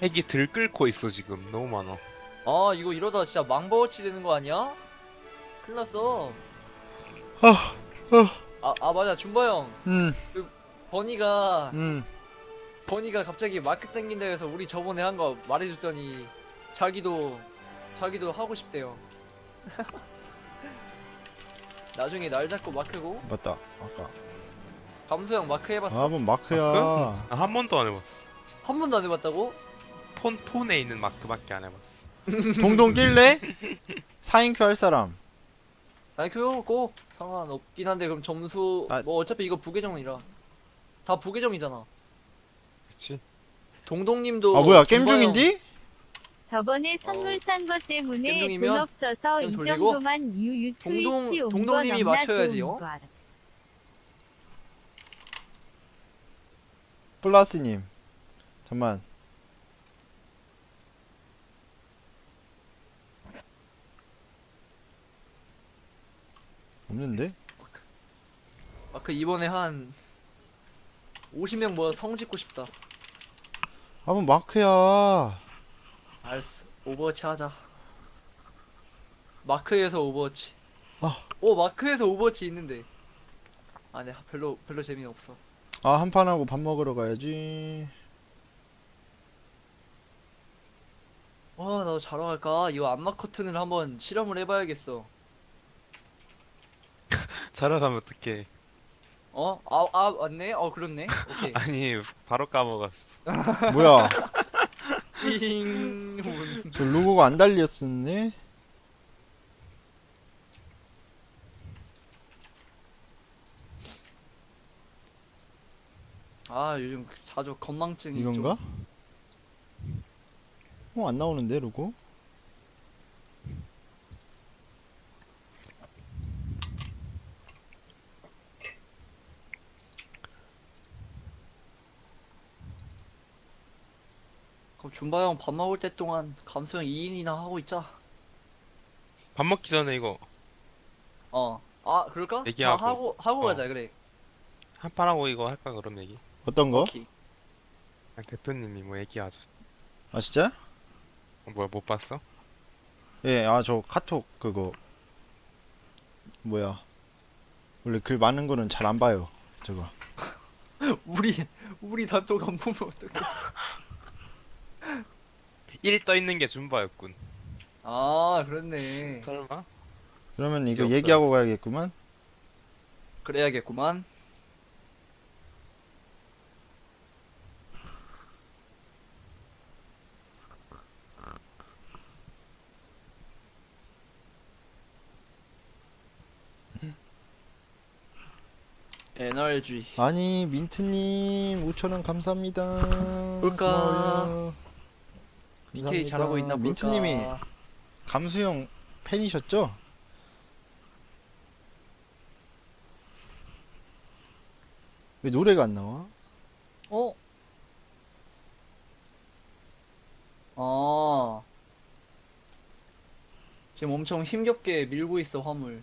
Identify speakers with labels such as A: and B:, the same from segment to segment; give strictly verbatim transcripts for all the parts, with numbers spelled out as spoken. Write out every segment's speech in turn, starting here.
A: 핵이 들끓고 있어 지금. 너무 많아.
B: 아 이거 이러다 진짜 망버워치 되는 거 아니야? 큰일 났어.
C: 아, 아,
B: 아, 아 맞아 준바 형.
C: 음,
B: 그 버니가
C: 음.
B: 버니가 갑자기 마크 땡긴다 해서 우리 저번에 한 거 말해줬더니 자기도 자기도 하고 싶대요. 나중에 날 잡고 마크고.
C: 맞다. 아까.
B: 감수 형 마크 해봤어?
C: 아, 뭔 마크야.
A: 아, 한 번도 안 해봤어.
B: 한 번도 안 해봤다고?
A: 폰 폰에 있는 마크밖에 안 해봤어.
C: 동동 낄래? 사인큐 할 사람.
B: 아니 그거 상관없긴 한데 그럼 점수
C: 아.
B: 뭐 어차피 이거 부계정이라 다 부계정이잖아.
A: 그렇지.
B: 동동님도
C: 아, 뭐야, 게임
B: 준바 형-
C: 중인디?
D: 저번에 선물 산 것 때문에
B: 겜종이면
D: 돈 없어서
B: 좀
D: 이
B: 돌리고
D: 정도만 유유
B: 동동-
D: 트위치 온거
B: 동동님이
D: 넘나
B: 맞춰야지,
D: 좋은
B: 어?
D: 걸.
C: 플라스님. 잠만. 없는데?
B: 마크 이번에 한 오십 명 모아 성 짓고 싶다.
C: 아, 뭔 마크야.
B: 알았어. 오버워치 하자. 마크에서 오버워치.
C: 아.
B: 오 마크에서 오버워치 있는데. 아, 네 별로 별로 재미는 없어.
C: 아, 한판 하고 밥 먹으러 가야지.
B: 와 나도 자러 갈까? 이거 안마 커튼을 한번 실험을 해봐야겠어.
A: 자러 가면 어떡해.
B: 어? 아, 아 맞네? 어 그렇네. 오케이.
A: 아니 바로 까먹었어.
C: 뭐야?
B: 띵.
C: 저 로고가 안 달렸었네?
B: 아 요즘 자주 건망증이
C: 이건가? 어, 안 나오는데, 로고?
B: 그럼 준바 형 밥 먹을 때 동안 감수 형 이 인이나 하고 있자.
A: 밥 먹기 전에 이거
B: 어. 아 그럴까?
A: 얘기하고.
B: 다 하고 하고
A: 어.
B: 가자 그래.
A: 한 판 하고 이거 할까 그럼 얘기.
C: 어떤 거?
B: 오케이.
A: 아, 대표님이 뭐 얘기하죠.
C: 아, 진짜?
A: 어, 뭐야 못 봤어?
C: 예, 아, 저 카톡 그거. 뭐야. 원래 글 많은 거는 잘 안 봐요. 저거.
B: 우리 우리 단톡 안 보면 어떡해.
A: 일 떠 있는 게 준바였군.
B: 아 그렇네.
A: 설마?
C: 그러면 이거
A: 없어,
C: 얘기하고
A: 없어.
C: 가야겠구만.
B: 그래야겠구만. 에너지.
C: 아니, 민트님, 오천 원 감사합니다.
B: 볼까?
C: 고마워요.
B: 비케이 잘하고 있나 볼까?
C: 민트님이 감수형 팬이셨죠? 왜 노래가 안 나와?
B: 어? 아. 지금 엄청 힘겹게 밀고 있어 화물.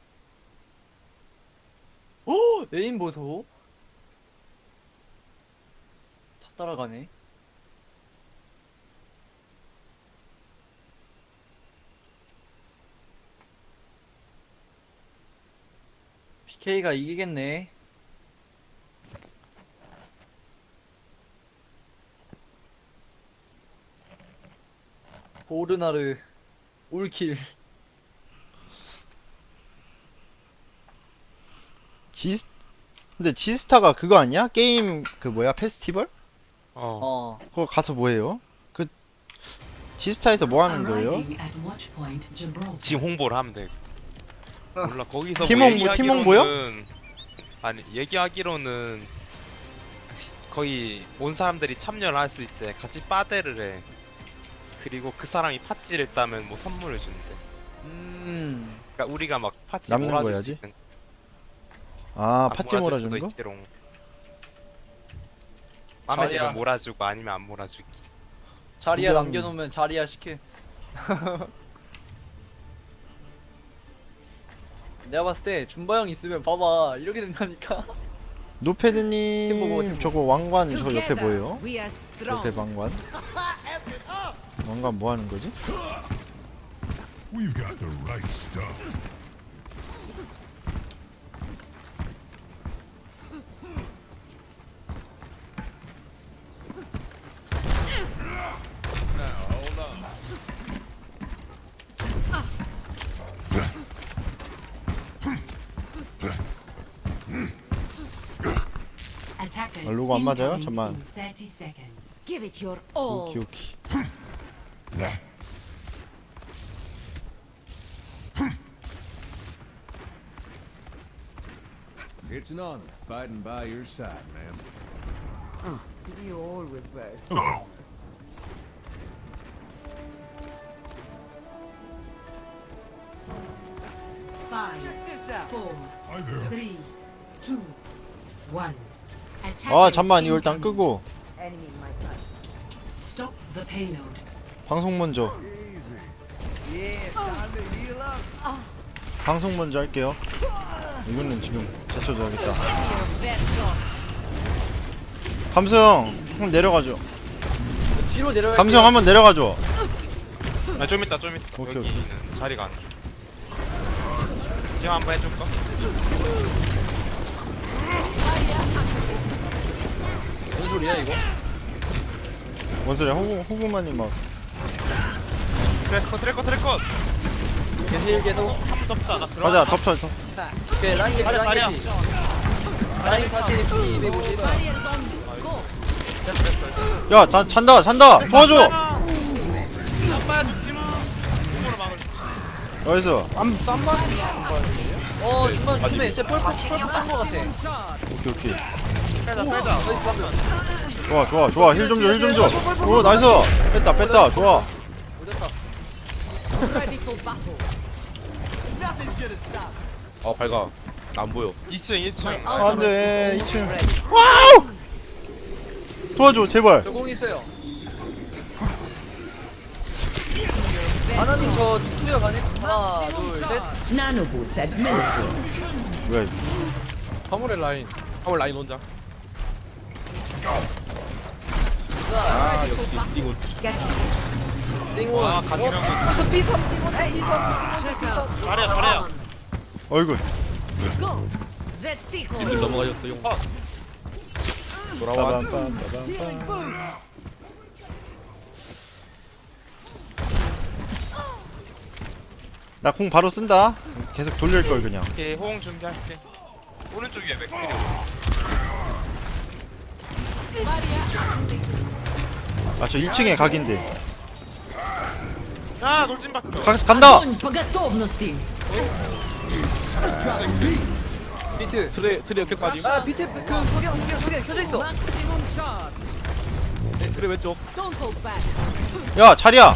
B: 오! 에임 보소? 다 따라가네. 피케이가 이기겠네. 보르나르 올킬.
C: 지 근데 지스타가 그거 아니야? 게임 그 뭐야? 페스티벌?
A: 어.
B: 어.
C: 그거 가서 뭐 해요? 그 지스타에서 뭐 하는 거예요?
E: Arriving at watch point Gibraltar.
A: 지금 홍보를 하면 돼. 몰라 거기서
C: 팀
A: 뭐
C: 홍보- 팀
A: 얘기하기로는
C: 홍보요?
A: 아니 얘기하기로는 거의 온 사람들이 참여를 했을 때 같이 빠데를 해. 그리고 그 사람이 팥찌를 따면 뭐 선물을 준대.
B: 음.
A: 그러니까 우리가 막 팥찌
C: 남는
A: 몰아줄
C: 거야지?
A: 수 있는
C: 아,
A: 아,
C: 팥찌
A: 몰아줄 수도
C: 몰아주는 거?
A: 있지롱. 마음에
B: 자리야.
A: 들면 몰아주고 아니면 안 몰아주기.
B: 자리야
C: 그냥-
B: 남겨놓으면 자리야 시켜. 내가 봤을 때 준바 형 있으면 봐봐 이렇게 된다니까. 팀 보고, 팀
C: 노패드님
B: 보고.
C: 저거 왕관 저 옆에
E: Together,
C: 뭐예요?
E: we are strong.
C: 옆에 왕관? 뭔가 뭐 하는 거지?
F: We've got the right stuff.
E: Attackers
C: 아, 로고 안 맞아요?
E: incoming
C: 잠만.
E: in thirty seconds.
G: Give it your all.
C: 오키 오키.
H: It's an honor fighting by your side, man.
G: You always were.
F: Oh,
E: Five, four,
F: hi there.
E: three, two, one.
C: 아 잠만 이거 일단 끄고
G: Enemy in my path.
E: Stop the payload.
C: 방송 먼저. 방송 먼저 할게요. 이거는 지금 제쳐줘야겠다. 감성 형 내려가죠.
B: 뒤로 내려가.
C: 감성 한번 내려가죠.
A: 아, 좀 있다 좀 있다.
C: 오케이,
A: 여기는 자리가 안 돼. 지금 한번 해줄까?
B: 무슨 소리야 이거?
C: 뭔 소리야? 호구 호구만이 막.
A: 트래커 트래커 트래커.
B: 계속 계속.
A: 섭자 나 들어가.
C: 가자 덮쳐 덮.
B: 오케이 라인 개피
A: 자리야
B: 라인
A: 자리야.
B: 개피. 라인 다시 피 이백오십.
C: 야 자, 잔다 잔다 도와줘.
A: 아빠 죽지마. 공으로 막을.
C: 어디서?
B: 어 중간 조심해. 쟤 펄프 펄프 짠거 같아.
C: 오케이 오케이.
A: 빼자 빼자.
C: 좋아 좋아 좋아 힐 좀 줘 힐 좀 줘. 오 나이스. 뺐다 뺐다 좋아.
B: 오졌다.
I: 어 밝아 안 보여.
A: 이 층 이 층.
C: 안돼 이 층. 와우. 도와줘 제발.
B: 저공 있어요. 하나님 저 투여 가네. 하나 둘 셋.
G: Nano boost administered.
C: 왜?
I: 화물의 라인. 화물 라인 혼자.
B: 자
I: 아 역시 띵훈.
B: 띵원.
A: 아 가지랑
B: 어 피 삼 띵원 피 삼.
A: 잘해 잘해.
C: 얼굴.
G: That's tickle.
I: 님들 넘어가셨어 용. 돌아와.
C: 빠밤빰빠밤빰. 나 공 바로 쓴다. 계속 돌릴 걸 그냥.
A: 오케이 호응 준비할게. 오른쪽 위에 맥크리.
C: 아 저 일 층에 각인데.
A: 야 돌진 박혀.
C: 가, 간다.
G: Огонь по готовности.
B: 비트.
I: 트레 트레 옆에까지.
B: 아 비트 그 석양 석양 석양 켜져 있어.
G: Maximum charge.
I: 트레 왼쪽.
G: Don't hold back.
C: 야 자리야.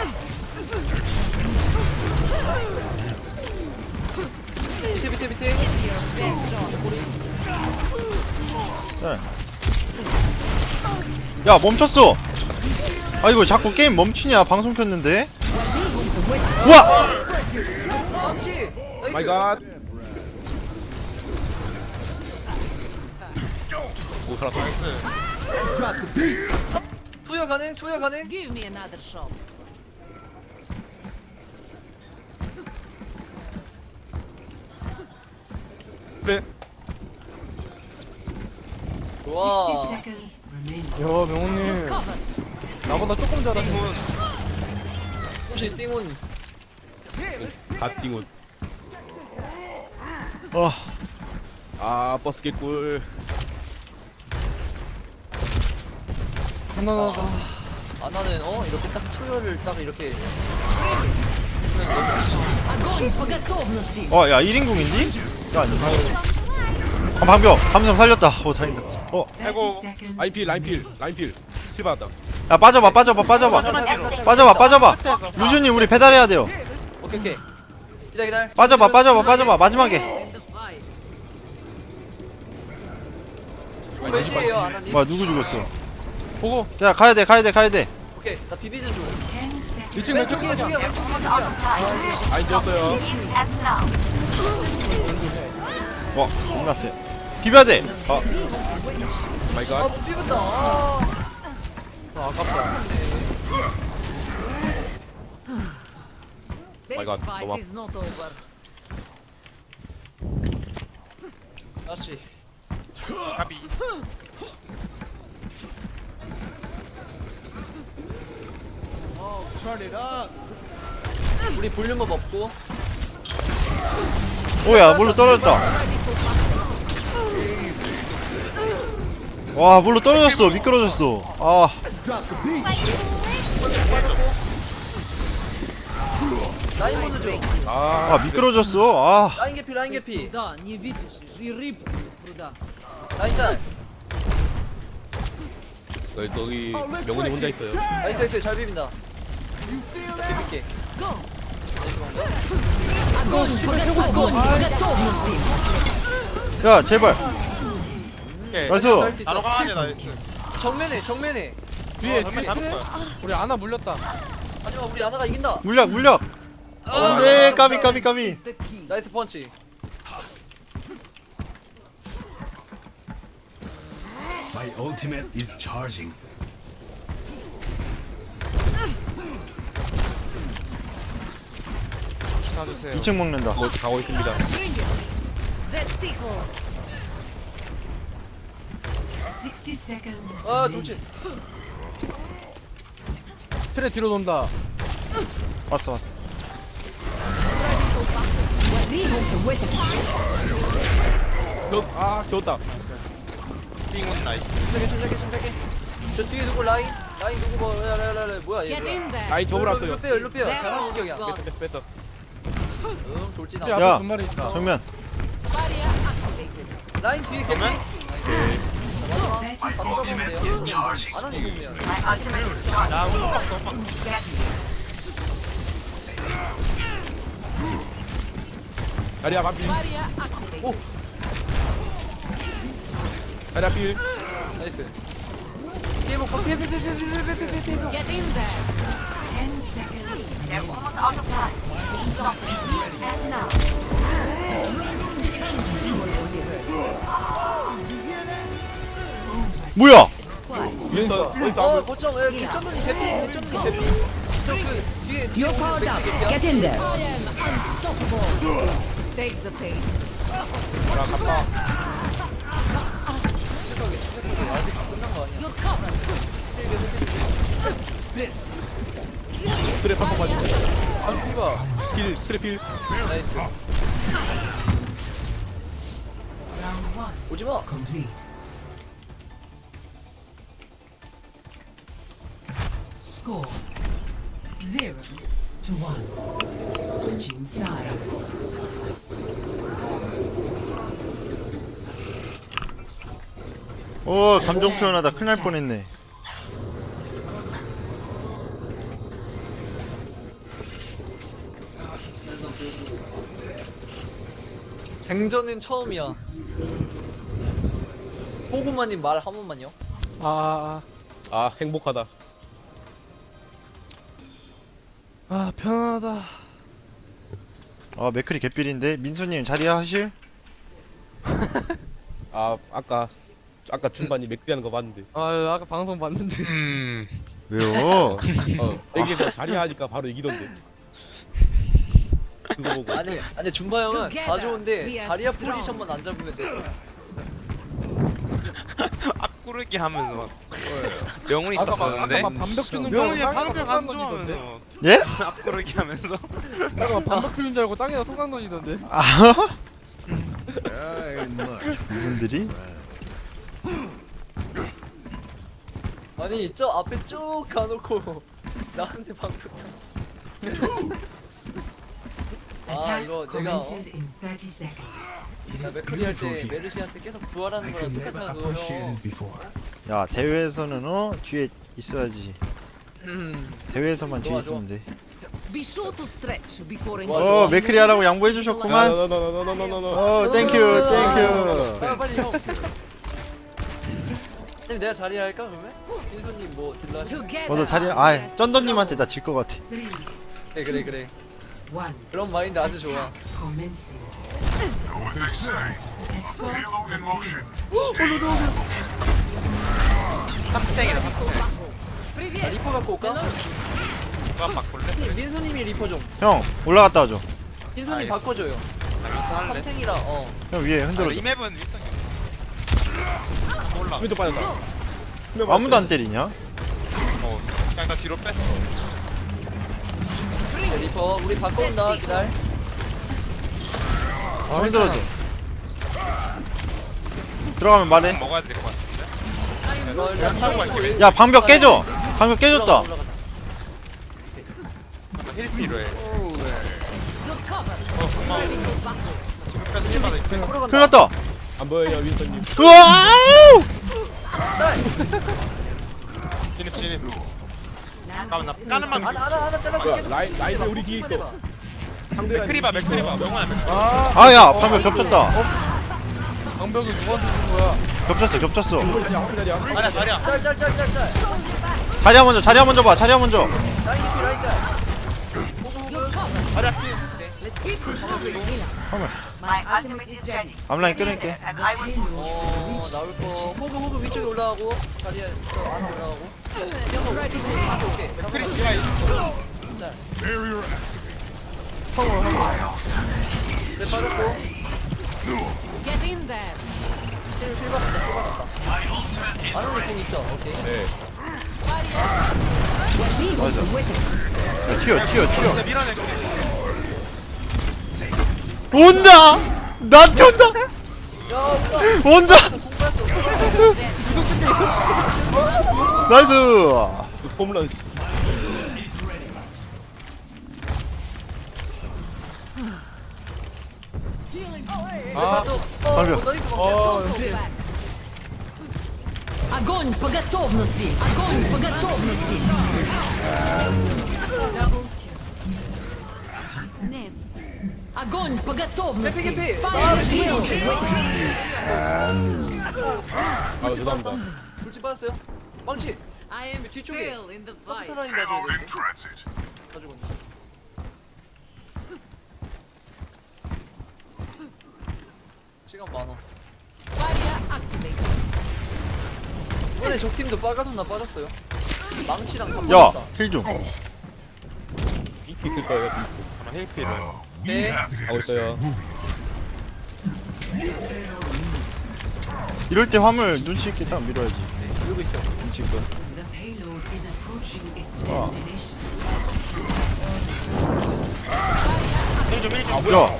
B: 비트 비트 비트.
C: 네. 야 멈췄어. 아이고 자꾸 게임 멈추냐 방송 켰는데. 우와.
B: 그렇지.
I: 마이 갓. 오 살았다.
B: 투여 가능 투여 가능.
G: Give me another shot.
I: 그래.
B: 와.
E: sixty seconds remaining.
B: 야 명훈님. 나보다 조금 잘하네.
A: 띵훈.
B: 혹시 띵훈.
I: 갓 띵훈.
C: 어.
I: 아 버스 개꿀.
B: 하나하나. 아 나는 어 이렇게 딱 투여를 딱 이렇게.
G: Огонь по готовности.
C: 어 야 일 인궁인디? 야 아니. 한 방벽 감성 살렸다. 오 다행이다. 어.
E: thirty
A: 아이고.
E: seconds.
I: 라인 필 라인 필 라인 필. 실 받았다.
C: 야 빠져봐 빠져봐 빠져봐. 빠져봐 빠져봐. 루시님 우리 배달해야 돼요.
B: 오케이 오케이. 기다 기다.
C: 빠져봐 빠져봐 빠져봐 마지막에.
B: 몇 시에요 아나님?
C: 와 누구 죽었어?
B: 보고.
C: 야 가야 돼 가야 돼 가야 돼.
B: 오케이 나 비비는 중.
E: ten seconds.
B: 왼쪽 왼쪽이야 왼쪽이야 왼쪽이야.
I: 라인 지었어요.
C: 와 끝났어요. 비벼야 돼. 어.
I: 마이
B: 아
I: 갓.
B: 비빈다. 아. 아 아깝다.
G: This
I: God,
G: fight
I: 너무
G: is not over.
B: 다시.
A: 까비.
B: 우리 볼륨업 없고.
C: 오야 물로 떨어졌다. 와 물로 떨어졌어. 미끄러졌어. 아
B: 라인 보는 중.
I: 아,
C: 아 미끄러졌어. 아
B: 라인 개피 라인 개피.
G: Да, не видишь, и рыбку из пруда.
B: 라인 짤.
I: 여기 저기 명훈이 혼자 있어요.
B: 나이스 나이스 잘 비빈다. 비빌게.
G: Огонь по готовности! Готовности!
C: 야 제발.
A: 오케이.
C: 나이스.
B: 할수 있어.
A: 나로 가야 돼, 나.
B: 정면에 정면에.
J: 뒤에
A: 어,
J: 뒤에
A: 잡을 거야.
J: 우리 아나 물렸다.
B: 하지만 우리 아나가 이긴다.
C: 물약 물약. 안돼 까비 까비 까비.
G: Is the key.
B: 나이스 펀치.
F: My ultimate is charging.
A: 사주세요.
C: 이 층 먹는다.
I: 뭐 가고 있습니다.
G: That tickles.
E: sixty seconds.
B: 아 돌진.
J: 트레 뒤로 돈다.
C: 왔어 왔어.
I: 저, 아, 지웠다.
A: 띵은 나이스.
B: 침착해 침착해 침착해. 저 뒤에 누구 라인? 라인 누구 뭐 라라라라 뭐야 얘.
G: Get in there.
I: 아이, 저걸 왔어요.
B: 일로 빼요 일로 빼요. 잘한 시경이야.
G: Go.
I: 뺐어, 뺐어.
B: 응 돌진
J: 뒤에
B: 안.
C: 야.
J: 앞에 두 마리 있다.
C: 정면.
G: Barrier activated.
B: 라인 뒤에 개피.
A: 그러면?
B: 다 쏟아보면 돼요. 안 하는 중이야.
A: 나 호박 호박.
I: 다리야, 반필.
G: Barrier activated.
I: 다리야, 필.
B: 나이스. 피해 먹고 피해 피해 피해 피해 피해 피해 피해 피해.
G: Get in there.
E: ten seconds.
C: 뭐야?
I: 윈스턴, 윈스턴.
B: 어 거점 에 개점눈이 개피 개점눈이 개피. 저그 뒤에 뒤에 개피야.
G: Get in there. I am unstoppable. Take the pain.
I: 야, 갔다.
B: 침착하게 침착하게 아직 끝난 거 아니야.
G: You're covered.
I: 스트랩 한번 가지고.
J: 아 이거.
I: 필, 스트랩 필.
B: 나이스.
E: Round one
B: 오지 마.
E: complete. Score zero to one. Switching sides.
C: 오 감정 표현하다 큰일 날 뻔했네.
B: 쟁전은 처음이야. 호구마님 말 한 번만요.
J: 아,
I: 아, 행복하다.
J: 아 편하다.
C: 아 맥클이 개삘인데 민수님 자리야 하실?
I: 아, 아까, 아까 중반이 맥비하는 거 봤는데.
J: 아 아까 방송 봤는데.
A: 음.
C: 왜요?
I: 어, 여기서 자리 하니까 바로 이기던데. 그거 보고.
B: 아니 아니 준바 형은 다
G: Together
B: 좋은데
G: we are
B: 자리야
G: strong.
B: 포지션만 안 잡으면 돼.
A: 앞구르기 하면서 막. 명훈이
J: 아까 막
A: 떴는데.
J: 아까 막 반벽 주는 줄
A: 명훈이
J: 알고 땅에다
A: 방벽
J: 소강
A: 안
J: 던지던데.
A: 좋아하면서
C: 예?
A: 앞구르기 하면서.
J: 아까 막 반벽 주는 줄 알고 땅에다 소강 던지던데.
C: 아
H: Ain't much.
C: 이분들이?
B: 아니 저 앞에 쭉 가놓고 나한테 방금. 아
E: Attack
B: 이거 내가 어?
E: commences in thirty seconds.
B: 나 맥클리 할 때 메르시한테 계속 부활하는 거랑 똑같아 그거 형.
F: before.
C: 야 대회에서는 어 뒤에 있어야지.
B: 음.
C: 대회에서만 뒤에
B: 좋아,
C: 있으면 돼.
G: Be sure to stretch before
B: 좋아,
C: 어
B: 좋아.
C: 맥클이 하라고 양보해 주셨구만.
I: 노노노노노노노노.
C: 어 땡큐 땡큐.
B: 아 빨리 형. 님 내가 자리 할까 그러면? 민소님 뭐 딜러 하시?
G: together.
C: 먼저 자리 아 쩐더님한테 나 질 것 같아.
E: Three,
B: 그래 그래 그래.
E: one.
B: 그런 마인드 아주 좋아.
E: Commencing.
F: Know what they say.
E: Escort
F: Halo in motion.
A: 탑스탱이다.
B: 자
G: Привет.
B: 리퍼 갖고 올까?
A: 누가 바꿀래?
B: 민수님이 리퍼 좀.
C: 형 올라갔다 와줘.
B: 민수님
A: 알겠어.
B: 바꿔줘요.
A: 나 윈스 할래?
B: 삼탱이라 어.
C: 형 위에
A: 아,
C: 흔들어줘.
A: 이 맵은 윈스 올라.
I: 왼쪽 빠졌다.
C: 아무도 안 때리냐?
A: 어 그냥 나 뒤로 뺐어.
B: 네, 리퍼 우리 바꿔온다. 기다려.
J: 아,
C: 흔들어줘.
J: 괜찮아.
C: 들어가면 말해.
A: 먹어야 될 것 같은데.
B: 이거
A: 그냥
B: 일단
A: 타고 갈게. 왼-
C: 야 방벽 깨져. 방벽 깨졌다.
B: 올라가자, 올라가자.
A: 힐 필요해.
B: 오우, 네.
G: You're covered.
A: 어 고마워.
G: Ready for battle.
A: 지금까지 힐 받아.
B: 앞으로 간다.
C: 큰일 났다.
I: 안 보여요 윈선님.
C: 으아!
A: 진입 진입. 잠깐만 나 까는 만.
B: 하나 하나 하나 잘라.
I: 뭐야 라인 라인 우리 뒤에 있어. 상대 라인
A: 맥크리바
I: 우리 뒤에
A: 맥크리바
I: 있어.
A: 명호야 맥크리.
J: 아,
C: 아야 방벽 겹쳤다.
J: 방벽이 누구한테 준 거야?
C: 겹쳤어 겹쳤어.
I: 자리야 한 자리야.
A: 자리야 자리야.
B: 짤짤짤짤짤.
C: 자리야 먼저 자리야 먼저 봐. 자리야 먼저.
B: 라인 피 라인 짤.
G: You're covered.
A: 자리야 피.
G: Let's keep pushing.
C: 앞라인 끊을게.
B: 어 나올 거. 호그 호그 위쪽에 올라가고 자리에 저 안에 올라가고.
G: Ready for battle.
B: 오케이.
A: 맥크리 지하 있어.
F: Barrier
B: 네 빠졌고.
G: Get in there.
B: 힐, 힐 받았다, 힐 받았다. 안원이 공 있죠? 오케이.
I: 네.
C: 맞아. 야, 튀어 튀어 튀어.
A: 진짜 밀어내.
C: 온다. 나한테 온다.
B: 야, 온다.
C: 온다.
B: 공 뺐어.
C: 나이스.
I: 그 홈런.
J: 아,
C: 방벽.
J: 어,
G: Огонь по готовности. Огонь по готовности. Огонь по готовности.
B: 개피, 개피.
G: Fire drill.
I: 아 죄송합니다.
B: 돌진 빠졌어요. 망치.
G: I am
B: 뒤쪽에.
G: still in the fight.
B: 서포터 라인 봐줘야
F: in
B: 돼.
F: transit.
B: 가지고 있네. 시간 많아.
G: Barrier activated.
B: 이번에 적 팀도 빨가돈나 빠졌어요. 망치랑 다
C: 야
B: 빠졌다.
C: 힐 좀.
I: 이티 있을 거예요.
A: 잠깐 힐 필요해.
F: We
B: 네.
F: have to get
I: 하고
F: this thing
I: 있어요.
F: moving.
C: 이럴 때 화물 눈치 있게 딱 밀어야지.
B: 이러고 있어.
C: 눈치 있고.
E: The payload is approaching its
C: Ah.
E: destination.
A: 힐좀 힐 좀.
C: 야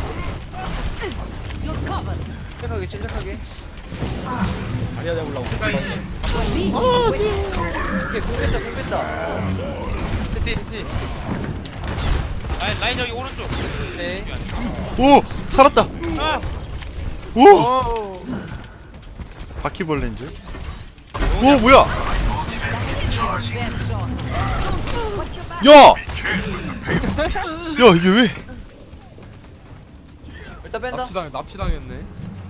G: You're covered.
B: 침착하게, 침착하게.
I: 자리야 잡으려고.
B: 오케이, 공 뺐다, 공 뺐다.
A: 히티 히티. 라인 라인 저기 오른쪽.
B: 네.
C: 오 살았다.
A: 아.
C: 오
J: 오.
C: 바퀴벌레인 줄. 오 뭐야?
G: Best shot.
C: 야. 야 이게 왜?
B: 일단 뺀다.
J: 납치당 납치당했네.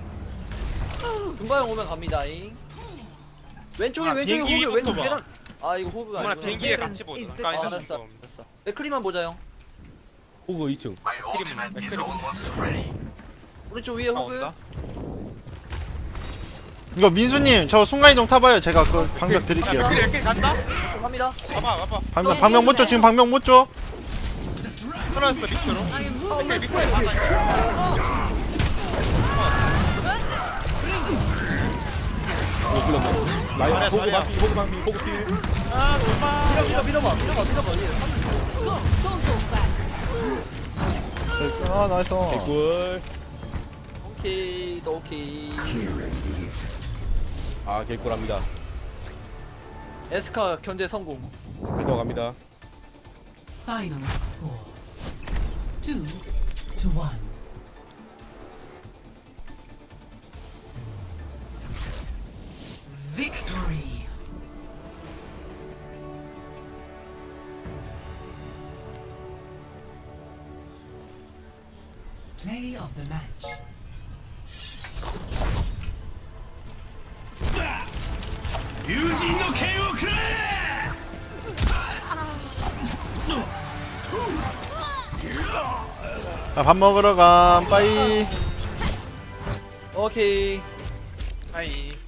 B: 중바형 오면 갑니다잉. 왼쪽에,
A: 아,
B: 왼쪽에
A: 비행기
B: 호그, 왼쪽
A: 이것도
B: 계단. 아, 이거 호그가
A: 어머나
B: 아니구나.
A: 비행기에 같이 보자.
G: is the-
A: 까이는
B: 아, 알았어.
A: 거.
B: 알았어. 맥크리만 보자, 형.
I: 호그 이 층.
A: 맥크리만 맥크리.
B: 오른쪽 위에
A: 아,
B: 호그.
A: 온다.
C: 이거 민수님 저 순간이동 타봐요. 제가 그 방벽 드릴게요.
A: 맥크리 맥크리 간다.
B: 갑니다.
A: 봐봐 봐봐.
C: 방벽 방벽 못 줘. 지금 방벽 못 줘.
A: 끊어졌어 밑으로.
G: I am moving.
A: 맥크리 밑으로 가자.
I: 어 불렀네. 라인
A: 잘해,
I: 호그
A: 잘해.
I: 반피 호그 반피 호그 피.
A: 아 고마.
B: 밀어, 밀어, 밀어봐, 밀어봐, 밀어봐. 얘.
G: Go. Don't hold back.
C: 아 나이스.
I: 개꿀.
B: 오케이, 또 오케이.
I: 아 개꿀합니다.
B: 에스카 견제 성공.
I: 필터 갑니다.
E: Final score. Two to one. Victory. Play of the match.
C: 자, 밥 먹으러 감. 빠이.
B: 오케이.
A: 하이.